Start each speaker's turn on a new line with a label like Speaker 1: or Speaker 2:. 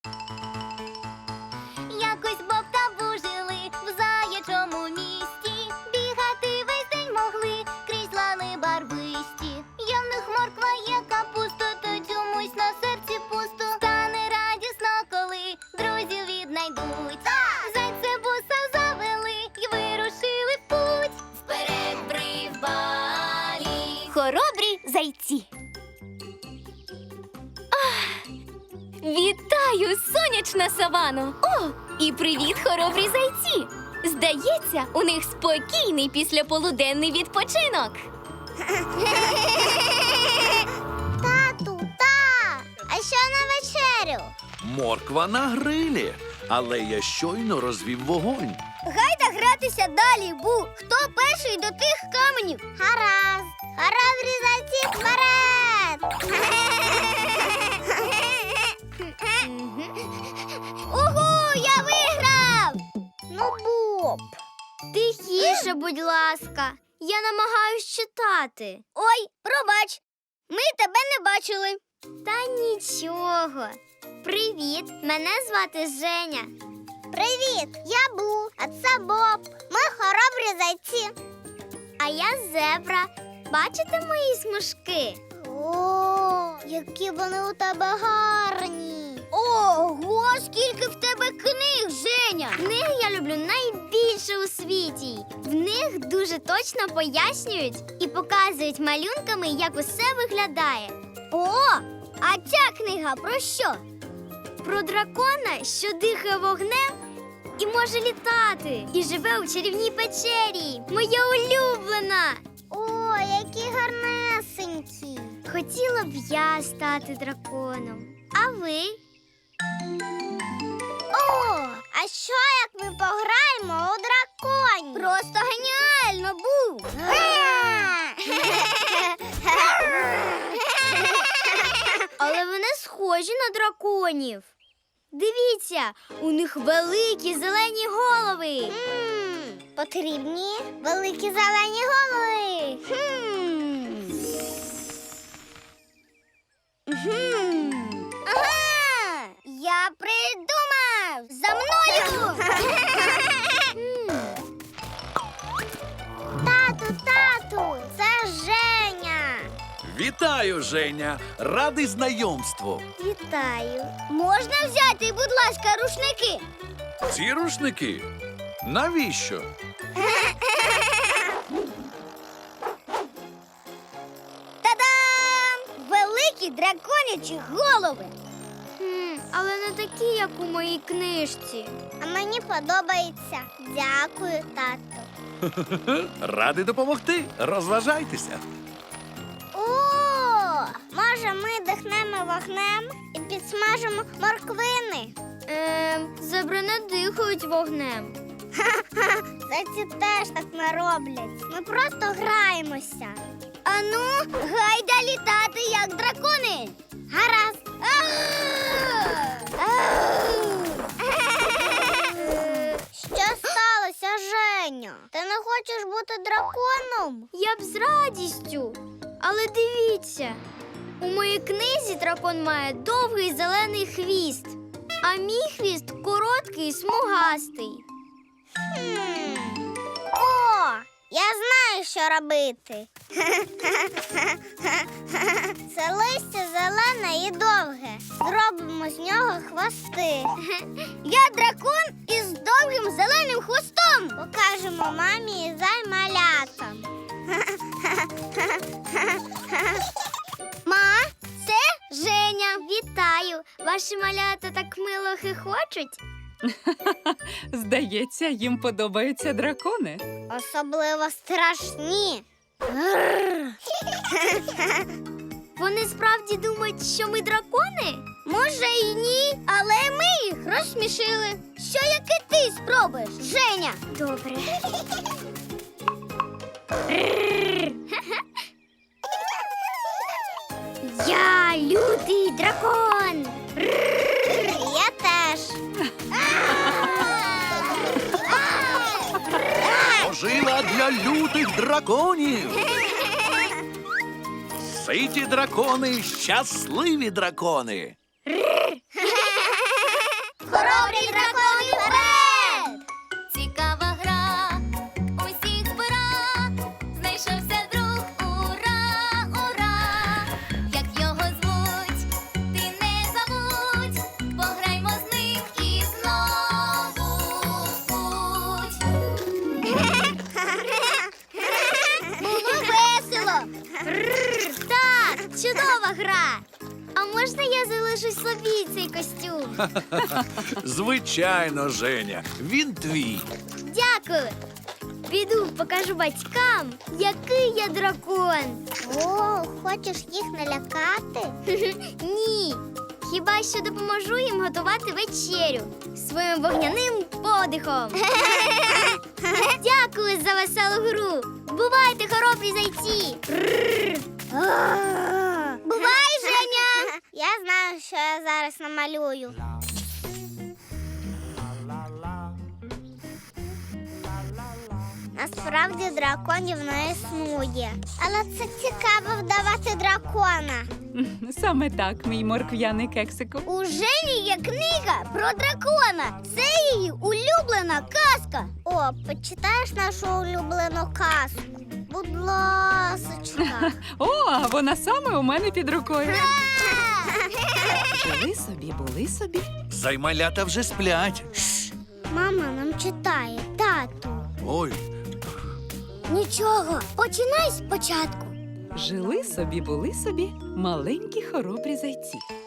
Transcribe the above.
Speaker 1: Якось Боб та Бу жили в заячому місті. Бігати весь день могли крізь лани барвисті. Є в них морква, є капуста, та чомусь на серці пусто. Стане радісно, коли друзів віднайдуть. Зайця буса завели й вирушили в путь. Вперед прибалі хоробрі зайці. Вітаю, сонячна савано! О, і привіт, хоробрі зайці! Здається, у них спокійний післяполуденний відпочинок.
Speaker 2: Тату, а що на вечерю?
Speaker 3: Морква на грилі, але я щойно розвів вогонь.
Speaker 2: Гайда гратися далі, Бу. Хто перший до тих каменів? Гаразд. Хоробрі зайці вперед! Угу, я виграв! Ну, Боб. Тихіше, будь ласка. Я намагаюсь читати. Ой, пробач. Ми тебе не бачили. Та нічого. Привіт, мене звати Женя. Привіт, я Бу, а це Боб. Ми хоробрі зайці. А я зебра. Бачите мої смужки? О, які вони у тебе гарні. Ого, скільки в тебе книг, Женя! Книги я люблю найбільше у світі. В них дуже точно пояснюють і показують малюнками, як усе виглядає. О, а ця книга про що? Про дракона, що дихає вогнем і може літати. І живе у чарівній печері. Моя улюблена. О, які гарнесенькі. Хотіла б я стати драконом. А ви? О, а що, як ми пограємо у драконів? Просто геніально, Бу! Але вони схожі на драконів. Дивіться, у них великі зелені голови. Потрібні великі зелені голови. Ага, я придумав! За мною! Тату, це Женя.
Speaker 3: Вітаю, Женя! Радий знайомству.
Speaker 2: Вітаю. Можна взяти, будь ласка, рушники?
Speaker 3: Ці рушники? Навіщо?
Speaker 2: Та-дам! Великі драконячі голови. Але не такі, як у моїй книжці. А мені подобається. Дякую, тату.
Speaker 3: Радий допомогти. Розважайтеся.
Speaker 2: О, може, ми дихнемо вогнем і підсмажимо морквини? Зебри не дихають вогнем. Зайці теж так не роблять. Ми просто граємося. Ану, гайда літати, як дракони. Гаразд. Що сталося, Женя? Ти не хочеш бути драконом? Я б з радістю. Але дивіться, у моїй книзі дракон має довгий зелений хвіст, а мій хвіст короткий і смугастий. О, я знаю, що робити. Це листя зелене і довге. Зробимо з нього хвости. Я дракон із довгим зеленим хвостом. Покажемо мамі і займалятам. Ма, це Женя. Вітаю. Ваші малята так мило хихочуть.
Speaker 4: Здається, їм подобаються дракони.
Speaker 2: Особливо страшні. Вони справді думають, що ми дракони? Може і ні, але ми їх розсмішили. Що, як і ти спробуєш, Женя? Добре. Я лютий дракон. Я теж.
Speaker 3: Пожила для лютих драконів. Ситі дракони, щасливі дракони.
Speaker 2: Хоробрі дракони вперед!
Speaker 1: Цікава гра, усіх збира, знайшовся друг, ура, ура! Як його звуть, ти не забудь, пограймо з ним і знову в путь.
Speaker 2: Було весело! Так, чудова гра! А можна я залишу собі цей костюм?
Speaker 3: Звичайно, Женя, він твій.
Speaker 2: Дякую! Піду покажу батькам, який я дракон. О, хочеш їх налякати? Ні. Хіба що допоможу їм готувати вечерю своїм вогняним подихом. Дякую за веселу гру. Бувайте, хоробрі зайці. Бувай, Женя! Я знаю, що я зараз намалюю. Насправді драконів не існує. Але це цікаво вдавати дракона.
Speaker 4: Саме так, мій моркв'яний кексику.
Speaker 2: У Жені є книга про дракона. Це її улюблена казка. О, почитаєш нашу улюблену казку? Будь ласочка.
Speaker 4: О, а вона саме у мене під рукою. Жили собі, були собі.
Speaker 3: Займалята вже сплять.
Speaker 2: Мама нам читає, тату.
Speaker 3: Ой,
Speaker 2: Нічого, починай спочатку.
Speaker 4: Жили собі, були собі маленькі хоробрі зайці.